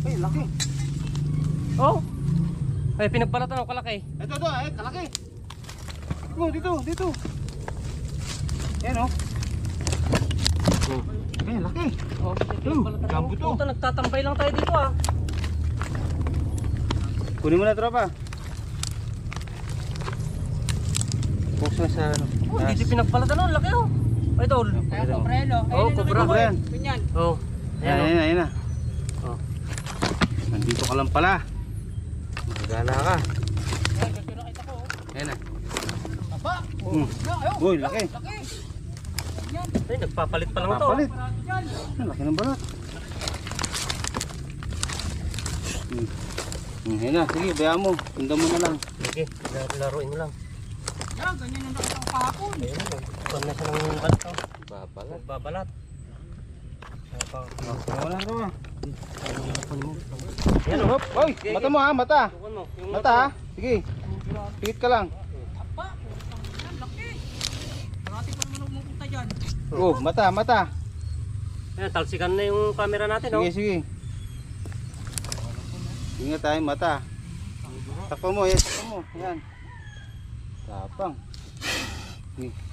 Ay, laki. Oh. Ay, pinagbalatan ako kalaki. Ito, ay, kalaki. Dito. Yan, oh. Ay, laki. Oh, pinagbalatan ako. Gambo to. Puta, nagtatambay lang tayo dito ah. Kunin mo na, tropa. Focus na sa ano. Oh, hindi pinagbalatan oh, laki oh. Ay, tol. Kaya cobra yan, oh. Oh, cobra. Cobra yan. Ganyan. Oh. Ayan na. Oh. Nandito ka lang pala. Magagala ka. Ay, dito nakita ko, oh. Ayan na. Aba. Ayaw. Uy, laki. Laki. Ay, nagpapalit pa lang to. Papalit. Yan. Ang laki ng balat. Ayan na, sige, bayaan mo. Tunda mo na lang. Sige, laruin mo lang. Yan, ganyan ang nakita ko kahapon. Ayun na, nagpapal na siya ng balat oh. Babalat. Nagbabalat. Wala ka ba? Yan oh. Hop, oy, mata mo ha, mata. Tukan mo. Yung Mata ha. Sige. Pikit ka lang. Aba. Yan, laki. Marati pa naman pumunta dyan. Oh, mata. Yan, talsikan na yung camera natin oh. Sige. Ingat tayo, mata. Takpo mo, yan, takpo mo. Yan. Tapang. Sige.